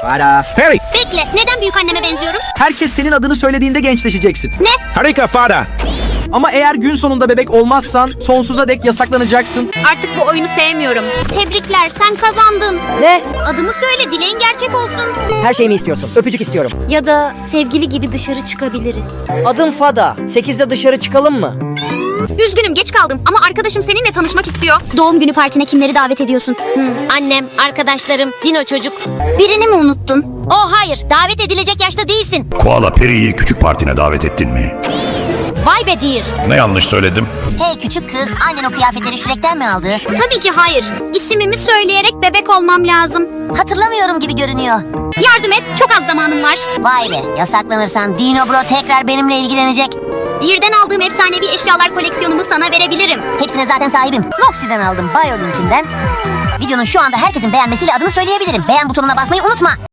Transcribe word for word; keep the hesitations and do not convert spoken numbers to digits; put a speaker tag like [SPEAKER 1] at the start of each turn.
[SPEAKER 1] Farah.
[SPEAKER 2] Harry.
[SPEAKER 3] Bekle, neden büyük anneme benziyorum?
[SPEAKER 1] Herkes senin adını söylediğinde gençleşeceksin.
[SPEAKER 3] Ne?
[SPEAKER 2] Harika Farah.
[SPEAKER 1] Ama eğer gün sonunda bebek olmazsan sonsuza dek yasaklanacaksın.
[SPEAKER 3] Artık bu oyunu sevmiyorum. Tebrikler, sen kazandın.
[SPEAKER 4] Ne?
[SPEAKER 3] Adımı söyle, dileğin gerçek olsun.
[SPEAKER 4] Her şeyimi istiyorsun. Öpücük istiyorum.
[SPEAKER 3] Ya da sevgili gibi dışarı çıkabiliriz.
[SPEAKER 4] Adım Fada. sekizde dışarı çıkalım mı?
[SPEAKER 3] Üzgünüm, geç kaldım ama arkadaşım seninle tanışmak istiyor. Doğum günü partine kimleri davet ediyorsun? Hmm, annem, arkadaşlarım, Dino çocuk. Birini mi unuttun? Oh hayır, davet edilecek yaşta değilsin.
[SPEAKER 5] Koala Peri'yi küçük partine davet ettin mi?
[SPEAKER 3] Vay be dear.
[SPEAKER 5] Ne yanlış söyledim?
[SPEAKER 6] Hey küçük kız, annen o kıyafetleri Shrek'ten mi aldı?
[SPEAKER 3] Tabii ki hayır. İsmimi söyleyerek bebek olmam lazım.
[SPEAKER 6] Hatırlamıyorum gibi görünüyor.
[SPEAKER 3] Yardım et, çok az zamanım var.
[SPEAKER 6] Vay be, yasaklanırsan Dino Bro tekrar benimle ilgilenecek.
[SPEAKER 3] Dear'den aldığım efsanevi eşyalar koleksiyonumu sana verebilirim.
[SPEAKER 6] Hepsine zaten sahibim. Noxie'den aldım, BioLink'inden. Videonun şu anda herkesin beğenmesiyle adını söyleyebilirim. Beğen butonuna basmayı unutma.